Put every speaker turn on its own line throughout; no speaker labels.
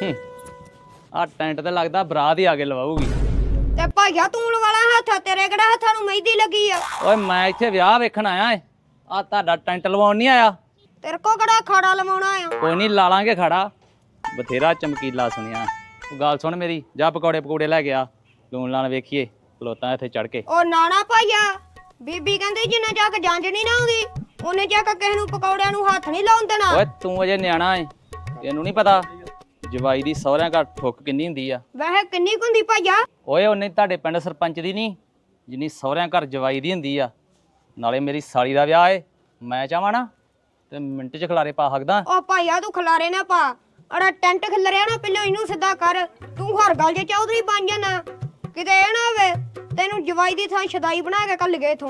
ਆ ਟੈਂਟ ਤੇ ਲੱਗਦਾ ਬਰਾਤ ਹੀ ਆ ਕੇ ਲਵਾਉਗੀ।
ਤੇ ਭਾਈਆ ਤੂੰ ਲਵਾਲਾ ਹੱਥ, ਤੇਰੇ ਕਿਹੜਾ ਹੱਥਾਂ ਨੂੰ ਮਹਿੰਦੀ ਲੱਗੀ ਆ?
ਓਏ ਮੈਂ ਇੱਥੇ ਵਿਆਹ ਵੇਖਣ ਆਇਆ ਏ, ਆ ਤੁਹਾਡਾ ਟੈਂਟ ਲਵਾਉਣ ਨਹੀਂ ਆਇਆ।
ਤੇਰੇ ਕੋ ਕਿਹੜਾ ਖਾੜਾ ਲਵਾਉਣਾ ਆ?
ਕੋਈ ਨਹੀਂ ਲਾ ਲਾਂਗੇ ਖੜਾ, ਬਥੇਰਾ ਚਮਕੀਲਾ ਸੁਣਿਆ। ਉਹ ਗੱਲ ਸੁਣ ਮੇਰੀ, ਜਾ ਪਕੌੜੇ ਪਕੌੜੇ ਲੈ ਗਿਆ, ਲੂਣ ਲਾਣ ਵੇਖੀਏ ਖਲੋਤਾ ਇੱਥੇ ਚੜ ਕੇ।
ਉਹ ਨਾਣਾ ਭਾਈਆ, ਬੀਬੀ ਕਹਿੰਦੀ ਜਿੰਨੇ ਜਾ ਕੇ ਜੰਜ ਨਹੀਂ ਨਾ ਆਉਂਦੀ ਉਹਨੇ ਜਾ ਕੇ ਕਿਸੇ ਨੂੰ ਪਕੌੜਿਆਂ ਨੂੰ ਹੱਥ ਨਹੀਂ ਲਾਉਣ ਦੇਣਾ।
ਓਏ ਤੂੰ ਅਜੇ ਨਿਆਣਾ ਏ, ਤੈਨੂੰ ਨਹੀਂ ਪਤਾ ਜਵਾਈ ਦੀ ਸਹੁਰਿਆਂ ਘਰ ਠੁੱਕ ਕਿੰਨੀ ਹੁੰਦੀ ਆ।
ਵੈਸੇ ਕਿੰਨੀ ਕੁ ਹੁੰਦੀ ਭਾਈਆ?
ਓਏ ਉਹਨੇ ਤੁਹਾਡੇ ਪਿੰਡ ਸਰਪੰਚ ਦੀ ਨਹੀਂ ਜਿੰਨੀ ਸਹੁਰਿਆਂ ਘਰ ਜਵਾਈ ਦੀ ਹੁੰਦੀ ਆ। ਨਾਲੇ ਮੇਰੀ ਸਾਲੀ ਦਾ ਵਿਆਹ ਏ, ਮੈਂ ਚਾਹਾਂ ਨਾ ਤੇ ਮਿੰਟ 'ਚ ਖਲਾਰੇ ਪਾ ਸਕਦਾ।
ਉਹ ਭਾਈਆ ਤੂੰ ਖਲਾਰੇ ਨਾ ਪਾ, ਅੜਾ ਟੈਂਟ ਖਿਲਰਿਆ ਨਾ, ਪਹਿਲਾਂ ਇਹਨੂੰ ਸਿੱਧਾ ਕਰ। ਤੂੰ ਹਰ ਗੱਲ 'ਚ ਚੌਧਰੀ ਬਣ ਜਾਣਾ, ਕਿਤੇ ਇਹ ਨਾ ਹੋਵੇ ਤੈਨੂੰ ਜਵਾਈ ਦੀ ਥਾਂ ਸ਼ਦਾਈ ਬਣਾ ਕੇ ਕੱਲ ਗਏ ਇਥੋਂ।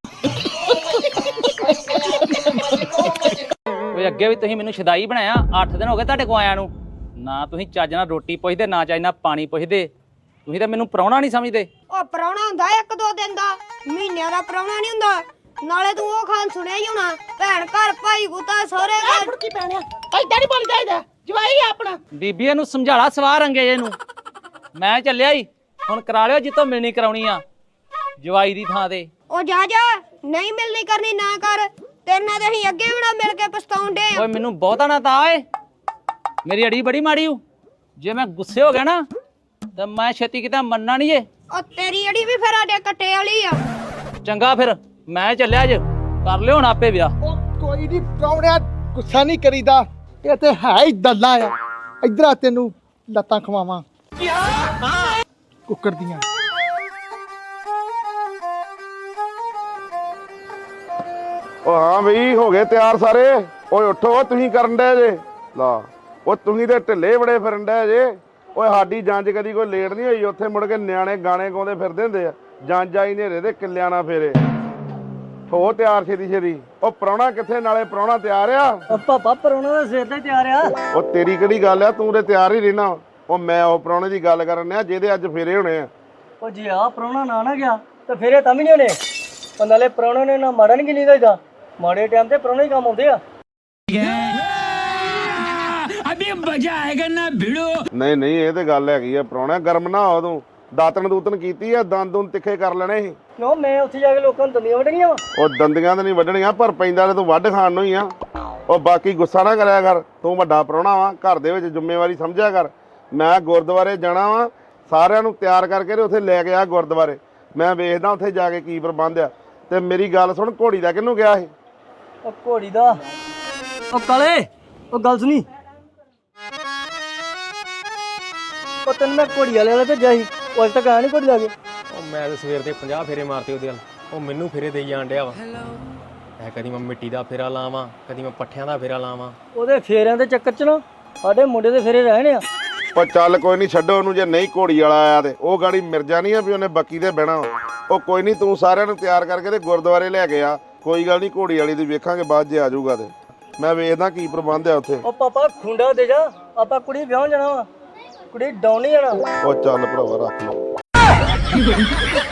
ਓਏ ਅੱਗੇ ਵੀ ਤੁਸੀਂ ਮੈਨੂੰ ਸ਼ਦਾਈ ਬਣਾਇਆ, 8 ਦਿਨ ਹੋ ਗਏ ਤੁਹਾਡੇ ਕੋ ਆਇਆਂ ਨੂੰ। ਨਾ ਤੁਸੀਂ ਚੱਜ ਨਾਲ ਰੋਟੀ ਪੁੱਛਦੇ, ਨਾ ਚੱਜ ਨਾਲ ਪਾਣੀ ਪੁੱਛਦੇ, ਤੁਸੀਂ ਤਾਂ ਮੈਨੂੰ ਪ੍ਰਾਹੁਣਾ ਨਹੀਂ ਸਮਝਦੇ।
ਉਹ ਪ੍ਰਾਹੁਣਾ ਹੁੰਦਾ 1-2 ਦਿਨ ਦਾ, ਮਹੀਨਿਆਂ ਦਾ ਪ੍ਰਾਹੁਣਾ ਨਹੀਂ ਹੁੰਦਾ। ਨਾਲੇ ਤੂੰ ਉਹ ਖਾਨ ਸੁਣਿਆ ਹੀ ਹੋਣਾ, ਭੈਣ ਘਰ ਭਾਈ ਗੁੱਤਾ ਸਹੁਰੇ ਘਰ।
ਫੁੜਕੀ ਪੈਣਿਆ ਐਦਾਂ ਨਹੀਂ ਬੋਲੀ ਜਾਈਦਾ, ਜਵਾਈ ਆਪਣਾ।
ਬੀਬੀ ਇਹਨੂੰ ਸਮਝਾਲਾ ਸਵਾਹ ਰੰਗੇ ਜੇ ਨੂੰ। ਮੈਂ ਚੱਲਿਆ ਹੀ, ਹੁਣ ਕਰਾ ਲਿਓ ਜਿੱਤੋਂ ਮਿਲਣੀ ਕਰਾਉਣੀ ਆ ਜਵਾਈ ਦੀ ਥਾਂ ਤੇ।
ਉਹ ਜਾ ਜਾ, ਨਹੀਂ ਮਿਲਣੀ ਕਰਨੀ ਨਾ ਕਰ, ਤੇਰੇ ਨਾਲ ਅਸੀਂ ਅੱਗੇ ਵੀ ਨਾ ਮਿਲ ਕੇ ਪਛਤਾਉਂਦੇ ਆ।
ਓਏ ਮੈਨੂੰ ਬਹੁਤਾ ਨਾ ਤਾ ਏ, ਮੇਰੀ ਅੜੀ ਬੜੀ ਮਾੜੀ ਹੂ। ਜੇ ਮੈਂ ਗੁੱਸੇ ਹੋ ਗਿਆ ਨਾ ਤਾਂ ਮੈਂ ਛੇਤੀ ਕਿਤੇ ਮੰਨਣਾ ਨਹੀਂ ਏ।
ਉਹ ਤੇਰੀ ਅੜੀ ਵੀ ਫਿਰ ਆਡੇ ਕੱਟੇ ਵਾਲੀ ਆ।
ਚੰਗਾ ਫਿਰ ਮੈਂ ਚੱਲਿਆ ਜੇ, ਕਰ ਲਿਓ ਹੁਣ ਆਪੇ ਵਿਆਹ।
ਉਹ ਕੋਈ ਨਹੀਂ ਪ੍ਰਾਹੁਣਿਆ, ਗੁੱਸਾ ਨਹੀਂ ਕਰੀਦਾ, ਇਹ ਤੇ ਹੈ ਹੀ ਦੱਲਾ ਆ। ਇਧਰ ਆ ਤੈਨੂੰ ਲੱਤਾਂ ਖਵਾਵਾਂ ਕੁੱਕਰ ਦੀਆਂ।
ਉਹ ਹਾਂ ਬਈ ਹੋ ਗਏ ਤਿਆਰ ਸਾਰੇ। ਓਏ ਉੱਠੋ, ਤੁਸੀਂ ਕਰਨ ਡਏ ਜੇ ਲਾ। ਉਹ ਤੁਸੀਂ ਤੇ ਢਿੱਲੇ ਬੜੇ ਫਿਰਨ ਡਏ ਜੇ। ਓਏ ਸਾਡੀ ਜੰਜ ਕਦੀ ਕੋਈ ਲੇਟ ਨਹੀਂ ਹੋਈ, ਉੱਥੇ ਮੁੜ ਕੇ ਨਿਆਣੇ ਗਾਣੇ ਗਾਉਂਦੇ ਫਿਰਦੇ ਹੁੰਦੇ ਆ। ਜੰਜ ਆਈ ਨੇਰੇ ਦੇ ਕਿੱਲਿਆਂ ਨਾਲ ਫੇਰੇ। ਹੋ ਤਿਆਰ ਛੇਤੀ ਛੇਤੀ। ਉਹ ਪ੍ਰਾਹੁਣਾ ਕਿੱਥੇ? ਨਾਲੇ ਪ੍ਰਾਹੁਣਾ ਤਿਆਰ ਆ?
ਪਾਪਾ ਪਰੋਣਾ ਦਾ ਸਿਰ ਤੇ ਤਿਆਰ ਆ।
ਉਹ ਤੇਰੀ ਕਿਹੜੀ ਗੱਲ ਆ, ਤੂੰ ਤੇ ਤਿਆਰ ਹੀ ਰਹਿਣਾ। ਉਹ ਮੈਂ ਉਹ ਪ੍ਰਾਹੁਣੇ ਦੀ ਗੱਲ ਕਰਨ ਆ ਜਿਹਦੇ ਅੱਜ ਫੇਰੇ ਹੋਣੇ ਆ।
ਉਹ ਜੇ ਆ ਪਰੋਣਾ ਨਾ ਗਿਆ ਤਾਂ ਫੇਰੇ ਤਾਂ ਵੀ ਨਹੀਂ ਹੋਣੇ। ਉਹ ਨਾਲੇ ਪਰੋਣੇ ਨੇ ਨਾ ਮਾੜਾ ਨਹੀਂ ਗਿਣੀ ਦਾ, ਮਾੜੇ ਟਾਈਮ ਤੇ ਪਰੋਣੇ ਹੀ ਕੰਮ ਆਉਂਦੇ ਆ।
ਅਭੀ ਮਜ਼ਾ ਆਏਗਾ ਨਾ ਭਿੜੋ।
ਨਹੀਂ ਨਹੀਂ, ਇਹ ਤੇ ਗੱਲ ਹੈਗੀ ਆ। ਪ੍ਰਾਹੁਣਾ ਗਰਮ ਨਾ ਹੋ ਤੂੰ। ਦਾਤਣ ਦੂਤਨ ਕੀਤੀ ਆ, ਦੰਦ ਦੁੰਦ ਤਿੱਖੇ ਕਰ ਲੈਣੇ ਸੀ।
ਕਿਉਂ ਮੈਂ ਉੱਥੇ ਜਾ ਕੇ ਲੋਕਾਂ ਨੂੰ ਦੰਦੀਆਂ ਵੱਢਣੀਆਂ ਵਾ?
ਉਹ ਦੰਦੀਆਂ ਤਾਂ ਨਹੀਂ ਵੱਢਣੀਆਂ, ਪਰ ਪੈਂਦਾ ਤੇ ਤੂੰ ਵੱਢ ਖਾਣ ਨੂੰ ਹੀ ਆ। ਉਹ ਬਾਕੀ ਗੁੱਸਾ ਨਾ ਕਰਿਆ ਕਰ, ਤੂੰ ਵੱਡਾ ਪ੍ਰਾਹੁਣਾ ਵਾ, ਘਰ ਦੇ ਵਿੱਚ ਜ਼ਿੰਮੇਵਾਰੀ ਸਮਝਿਆ ਕਰ। ਮੈਂ ਗੁਰਦੁਆਰੇ ਜਾਣਾ ਵਾ, ਸਾਰਿਆਂ ਨੂੰ ਤਿਆਰ ਕਰਕੇ ਤੇ ਉੱਥੇ ਲੈ ਕੇ ਆ ਗੁਰਦੁਆਰੇ। ਮੈਂ ਵੇਖਦਾ ਉੱਥੇ ਜਾ ਕੇ ਕੀ ਪ੍ਰਬੰਧ ਆ। ਤੇ ਮੇਰੀ ਗੱਲ ਸੁਣ, ਘੋੜੀ ਦਾ ਕਿਹਨੂੰ ਗਿਆ ਸੀ?
ਉਹ ਘੋੜੀ ਦਾ ਉਹ ਕਾਲੇ, ਉਹ ਗੱਲ ਸੁਣੀ। ਉਹ ਤੈਨੂੰ ਮੈਂ ਘੋੜੀ ਵਾਲੇ ਭੇਜਿਆ ਸੀ, ਉਹ ਅਜੇ ਤੱਕ ਆਇਆ ਨਹੀਂ ਘੋੜੀ ਲਾ ਕੇ।
ਉਹ ਮੈਂ ਤਾਂ ਸਵੇਰ ਦੇ 50 ਫੇਰੇ ਮਾਰਤੇ ਉਹਦੇ ਵੱਲ। ਉਹ ਮੈਨੂੰ ਫੇਰੇ ਦੇਈ ਜਾਣ ਡਿਆ ਵਾ। ਕਦੀ ਮੈਂ ਮਿੱਟੀ ਦਾ ਫੇਰਾ ਲਾਵਾਂ, ਕਦੀ ਮੈਂ ਪੱਠਿਆਂ ਦਾ ਫੇਰਾ ਲਾਵਾਂ।
ਉਹਦੇ ਫੇਰਿਆਂ ਦੇ ਚੱਕਰ 'ਚ ਨਾ ਸਾਡੇ ਮੁੰਡੇ ਦੇ ਫੇਰੇ ਰਹਿਣੇ ਆ।
ਉਹ ਚੱਲ ਕੋਈ ਨਹੀਂ, ਛੱਡੋ ਉਹਨੂੰ। ਜੇ ਨਹੀਂ ਘੋੜੀ ਵਾਲਾ ਆਇਆ ਤੇ ਉਹ ਗਾੜੀ ਮਿਰਜਾ ਨਹੀਂ ਆ ਵੀ ਉਹਨੇ ਬੱਕੀ ਤੇ ਬਹਿਣਾ। ਉਹ ਕੋਈ ਨਹੀਂ, ਤੂੰ ਸਾਰਿਆਂ ਨੂੰ ਤਿਆਰ ਕਰਕੇ ਤੇ ਗੁਰਦੁਆਰੇ ਲੈ ਕੇ ਆ। ਕੋਈ ਗੱਲ ਨਹੀਂ, ਘੋੜੀ ਵਾਲੀ ਦੀ ਵੇਖਾਂਗੇ ਬਾਅਦ ਜੇ ਆ ਜਾਊਗਾ ਤੇ। ਮੈਂ ਵੇਖਦਾ ਕੀ ਪ੍ਰਬੰਧ ਆ ਉੱਥੇ।
ਉਹ ਪਾਪਾ ਖੁੰਡਾ ਦੇ ਜਾ, ਆਪਾਂ ਕੁੜੀ ਵਿਆਹ ਜਾਣਾ ਵਾ, ਕੁੜੀ ਡਾਉਣ ਨਹੀਂ ਜਾਣਾ।
ਉਹ ਚੱਲ ਭਰਾਵਾ ਰੱਖ ਲਓ।